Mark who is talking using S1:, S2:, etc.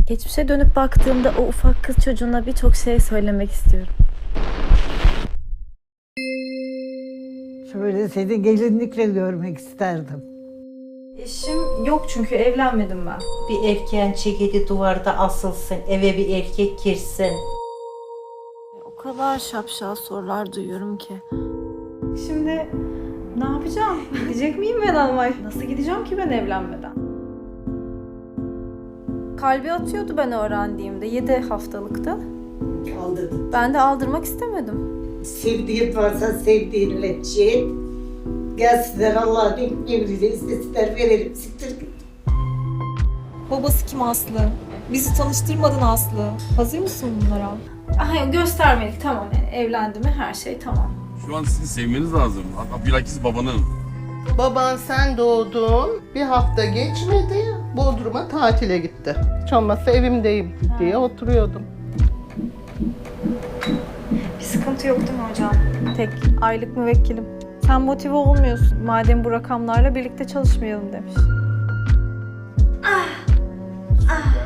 S1: Geçmişe dönüp baktığımda o ufak kız çocuğuna birçok şey söylemek istiyorum.
S2: Şöyle seni gelinlikle görmek isterdim.
S1: Eşim yok çünkü evlenmedim ben.
S3: Bir erkeğin ceketi duvarda asılsın, eve bir erkek girsin.
S1: O kadar şapşal sorular duyuyorum ki. Şimdi ne yapacağım? Gidecek miyim ben Almanya? Nasıl gideceğim ki ben evlenmeden? Kalbi atıyordu ben öğrendiğimde 7 haftalıkta.
S2: Aldırdın.
S1: Ben de aldırmak istemedim.
S2: Sevdiğin varsa sevdiğinle çiğ. Gelsinler Allah'ın emriyle istesinler verelim. Siktir git.
S4: Babası kim Aslı? Bizi tanıştırmadın Aslı. Hazır mısın bunlara?
S1: Aha, göstermelik tamam yani evlendi mi her şey tamam.
S5: Şu an sizin sevmeniz lazım. Hatta bilakis babanın.
S6: Baban sen doğdun, bir hafta geçmedi, Bodrum'a tatile gitti. Hiç olmazsa evimdeyim diye oturuyordum.
S1: Bir sıkıntı yok değil mi hocam? Tek aylık müvekkilim. Sen motive olmuyorsun. Madem bu rakamlarla birlikte çalışmayalım demiş.